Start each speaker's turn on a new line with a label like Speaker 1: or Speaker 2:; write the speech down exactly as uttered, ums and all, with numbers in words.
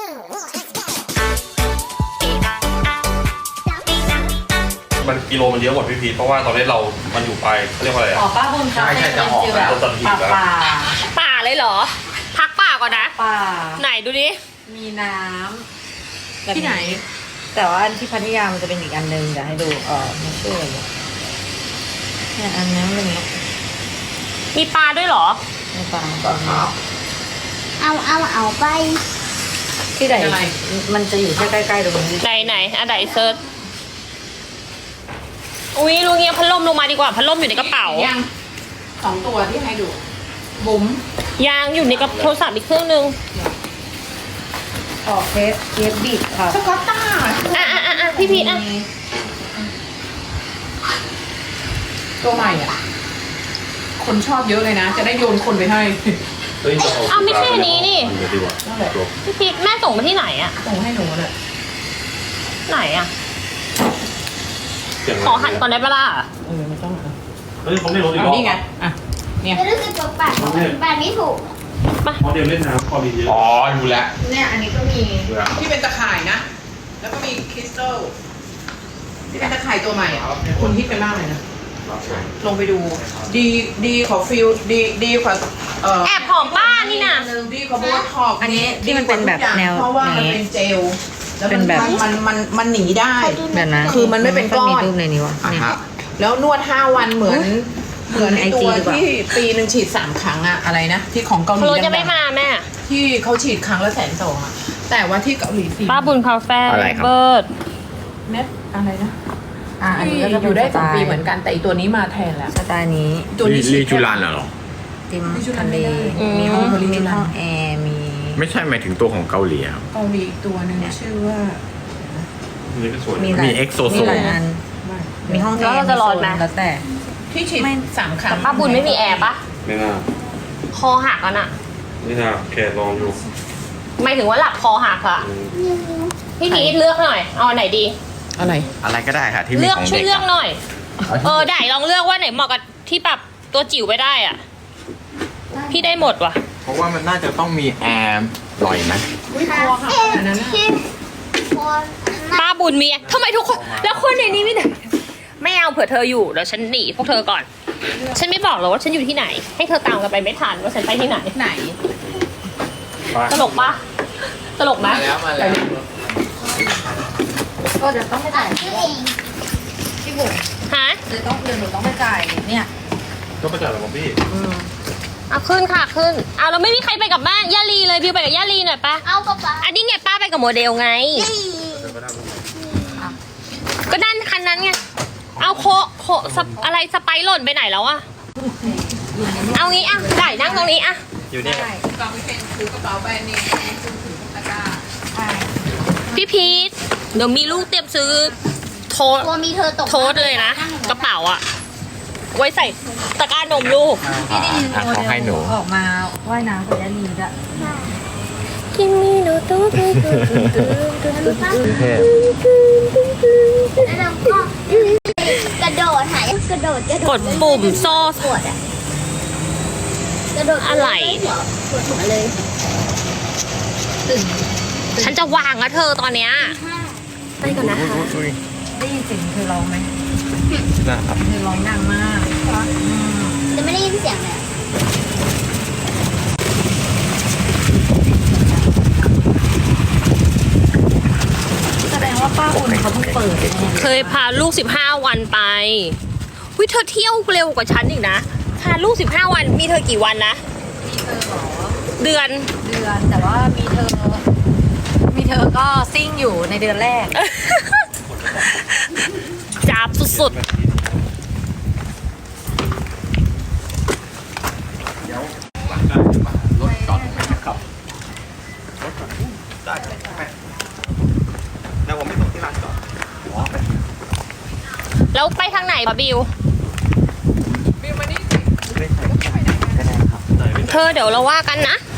Speaker 1: มันกิโลมันเยอะกว่าพี่พีเพราะว่าตอนนี้เรา มันอยู่ไปเขาเรียกว่าอะไรอ่ะ
Speaker 2: อ๋อป้าบุญครับ
Speaker 3: ใช่ใช่จะออกแล้ว
Speaker 2: ป่าป่า
Speaker 4: ป่าเลยเหรอ พักป่าก่อนนะ
Speaker 2: ป่า
Speaker 4: ไหนดูดิ
Speaker 2: มีน้ำแบบ
Speaker 4: ที่ไหน
Speaker 2: แต่ว่าอันที่พัทยามันจะเป็นอีกอันนึงเดี๋ยวให้ดูเออไม่ชื่ออะไรเนี่ยเนี่ยอันนี้มันเป็น
Speaker 4: มีปลาด้วยเหรอ
Speaker 2: ในป่า
Speaker 5: เอาเอาเอาไป
Speaker 2: ที่ไหนมันจะอยู่แค่ใกล้ๆตรงนี้
Speaker 4: ไหนไหนอันไหนเซิร์ชอุ้ยลุงเงี้ยพัดลมลงมาดีกว่าพัดลมอยู่ในกระเป๋า
Speaker 6: ยังสองตัวที่ให้ดู บุ๋ม
Speaker 4: ยางอยู่ในกระโทรศัพท์อีกเครื่องนึง
Speaker 2: ออกเคฟเคฟบิดครับ
Speaker 6: สกอตต้า
Speaker 4: อ่ะอ่ะอ่ะอ่ะพี่พีทอ่ะ
Speaker 6: ตัวใหม่อ่ะ คนชอบเยอะเลยนะ จะได้โยนคนไปให้
Speaker 1: เฮ้ยจะ
Speaker 4: อ้าวไม่ใช่อันนี้นี่
Speaker 1: เดี๋ยวดีกว่า
Speaker 6: นั่นแหละ
Speaker 4: พี่พีทแม่ส่งมาที่ไหนอะ
Speaker 6: ส่งให้หนูเลย
Speaker 4: ไหนอะ
Speaker 1: เสียง
Speaker 4: ขอหันก่อนได้ปะล่ะ
Speaker 6: เออไม่ต้องอ่ะ
Speaker 1: เฮ้ยเขาไม่รู้อีก
Speaker 6: เอา
Speaker 1: รอบ
Speaker 6: นี่ไง อ่ะ เนี่ย
Speaker 5: จะรู้สึกตกปากปากไม่ถูก
Speaker 1: เพราะเดี๋ยวเล่นน้ำพอดีเยอะ
Speaker 3: อ๋อดูแลว
Speaker 6: เนี่ยอันนี้ก็มี
Speaker 1: เบื่อ
Speaker 6: ที่เป็นตะข่ายนะ แล้วก็มีคริสตัลที่เป็นตะข่ายตัวใหม่อ่ะคุณฮิตกันมากเลยนะ ลงไปดู ดีดีขอฟิลดีดีกว่าเอ่อ
Speaker 4: แอบหอมป้านี่น่ะ
Speaker 6: ดีกว่าโบท็อกซ์
Speaker 2: อันนี้ที่มันเป็นแบบแนว
Speaker 6: เพราะว่ามัน
Speaker 2: นี้
Speaker 6: เป็นเจลแล้ว
Speaker 2: เป็นแบบ
Speaker 6: มันมันมันหนีได้
Speaker 2: แบบนั้น
Speaker 6: คือมันไม่เป็นก้อน
Speaker 2: มีรูปในนี้วะ
Speaker 3: อ่ะ
Speaker 2: นี่
Speaker 3: ฮะ
Speaker 6: แล้วนวดห้าวันเหมือน เหมือนไอ
Speaker 2: ไอจี
Speaker 6: ตัว
Speaker 2: ดีกว่า
Speaker 6: ที่ปีหนึ่งฉีดสามครั้งอะอะไรนะ ที่ของเกาหลี
Speaker 4: โคลจะไม่
Speaker 6: ดัง
Speaker 4: มาแม่
Speaker 6: ๆที่เขาฉีดครั้งละแสนสองอะแต่ว่าที่เกาหลีฟรี
Speaker 4: ป้าบุญคาเฟ่
Speaker 3: อะไรครับ
Speaker 4: เบิร์ด
Speaker 6: เน็ตอะไรนะ
Speaker 2: อ่ะอัน
Speaker 6: ที่
Speaker 2: นี้ก็จะ
Speaker 6: อ
Speaker 2: เป็น
Speaker 6: ยู่ได้
Speaker 2: ส
Speaker 6: สอง
Speaker 2: ไต
Speaker 6: ปี
Speaker 2: ล์
Speaker 6: เหมือนกันแต่อีตัวนี้มาแทนแล้ว
Speaker 2: สไตล์นี้
Speaker 6: ตัวนี้ฉี
Speaker 3: ลี
Speaker 6: ด
Speaker 3: จูรันเหรอ
Speaker 2: ติม
Speaker 6: ลิจูรั
Speaker 2: ทะ
Speaker 6: น
Speaker 2: เล
Speaker 6: ไม่ได้
Speaker 2: มีห้อง
Speaker 6: อืม
Speaker 2: มีห้องแอร์มี
Speaker 3: ไม่ใช่หมายถึงตัวของเกาหลีครับ
Speaker 6: เกาหลีอีกตัวหนึงชื่อว่า
Speaker 1: อันนี้ก็สวย
Speaker 2: มี
Speaker 1: นะ
Speaker 2: หลาย
Speaker 3: มี Exo
Speaker 2: มีหลายอันมีห้องแอ
Speaker 4: แล้ว
Speaker 2: ร์
Speaker 4: เราจะรอดไหม
Speaker 2: โซแล้วแต่
Speaker 6: ที่ฉีด
Speaker 2: ไม่
Speaker 6: สามครั้ง
Speaker 4: แต่ป้าบุญไม่มีแอร์ปะ
Speaker 1: ไม่น่า
Speaker 4: คอหักอ่ะน่ะ
Speaker 1: ไม่น่าแค่ลองดู
Speaker 4: หมายถึงว่าหลับคอหักอะ
Speaker 1: อืม
Speaker 4: พี่พีทเลือกหน่อย เอาอันไหนดี
Speaker 6: อะไร
Speaker 3: อะไรก็ได้ค่ะที่มี
Speaker 4: เลือก
Speaker 3: ของ
Speaker 4: ช่วย
Speaker 3: เด็ก
Speaker 4: เลือก
Speaker 3: อะ
Speaker 4: หน่อย เออได้ลองเลือกว่าไหนเหมาะกับที่แบบตัวจิ๋วไปได้อ่ะ พี่ได้หมดว่ะ
Speaker 3: เพราะว่ามันน่าจะต้องมีแอร์ปล่อยไหม
Speaker 6: อุ้ยคอหักอันนั้นน่ะ
Speaker 5: ที่คน
Speaker 4: ป้าบุญมีทำไมทุกคน แล้วคนในนี้ไม่ได้ไม่เอาเผื่อเธออยู่เดี๋ยวฉันหนีพวกเธอก่อน ฉันไม่บอกหรอกว่าฉันอยู่ที่ไหน ให้เธอตามกันไปไม่ทันว่าฉันไปที่ไหน
Speaker 6: ไหน
Speaker 1: ไป
Speaker 4: ตลกปะตลกไหม
Speaker 3: มาแล้วมาแล้ว
Speaker 2: ก็จะต้องไปจ่าย
Speaker 5: ชื่อเอง
Speaker 2: พี่บุ๋ม
Speaker 4: ฮะ
Speaker 2: เดี๋ยวต้องเดี๋ยวหนูต้องไปจ่ายเนี่ย
Speaker 1: ก็ประจัดหรอพี่
Speaker 2: อืม
Speaker 4: เอาขึ้นค่ะขึ้นเอาแล้วไม่มีใครไปกับบ้านย่าลีเลยบิวไปกับย่าลีหน่อยปะ
Speaker 5: เอากระเป๋า
Speaker 4: อันนี้ไงป้าไปกับโมเดลไง ก็นั่นคันนั้นไง เอาโคโคสปอะไรสไปร์หล่นไปไหนแล้วอะเอางี้อะได้นั่งตรงนี้อะ
Speaker 1: อยู่นี่
Speaker 6: กองเป็นถือกระเป๋าแบรนด์เนมถือถือตะกร้า
Speaker 4: พี่พีทเดี๋ยวมีลูกเตรียมซื้อโทษ
Speaker 5: ตัวมีเธอตก
Speaker 4: โทษเลยนะ กระเป๋าอะไว้ใส่ตะกร้านมลูก
Speaker 2: พี่ได้ยิน
Speaker 3: อ่ะ
Speaker 2: โม
Speaker 3: เขา
Speaker 2: เด
Speaker 3: ให้หนู
Speaker 2: ลออกมาว่ายน้ำกับยาลีด้วย
Speaker 4: กินมีโนตูตูตูตูตูตู
Speaker 5: แล้วเราก็กระโดดหายกระโดดกระโดด
Speaker 4: กดปุ่มโซ่
Speaker 5: ปวดอะกระโดด
Speaker 4: อะไร
Speaker 5: ปวดหัวเลย
Speaker 4: ฉันจะวางแล้วเธอตอนเนี้ยไปก่อนนะคะ
Speaker 2: ได้ยินเสียงเธอร้องไหม
Speaker 3: นะครับ
Speaker 2: เธอร้องดังมากอืม
Speaker 5: จะไม่ได้ยินเสียงเลย
Speaker 2: แสดงว่าป้าอุ่นเขาเพิ่งเปิดเนี่ย
Speaker 4: เคยพาลูกสิบห้าวันไปวิเธอเที่ยวเร็วกว่าฉันอีกนะพาลูกสิบห้าวันมีเธอกี่วันนะ
Speaker 2: มีเธอเหรอ
Speaker 4: เดือน
Speaker 2: เดือนแต่ว่ามีเธอ มีเธอก็ซิ่งอยู่ในเดือนแรก
Speaker 4: จับสุด
Speaker 3: รถจอดตรงไหนนะครับรถจอดได้แล้วผมไม่ส่งที่ร้านจอดอ๋อไป
Speaker 4: ๆแล้วไปทางไหนปะบิว
Speaker 6: บิวมานี่สิ
Speaker 3: ไม่ใช่ก็ได้ครับ
Speaker 4: เธอเดี๋ยวเราว่ากันนะ
Speaker 6: เ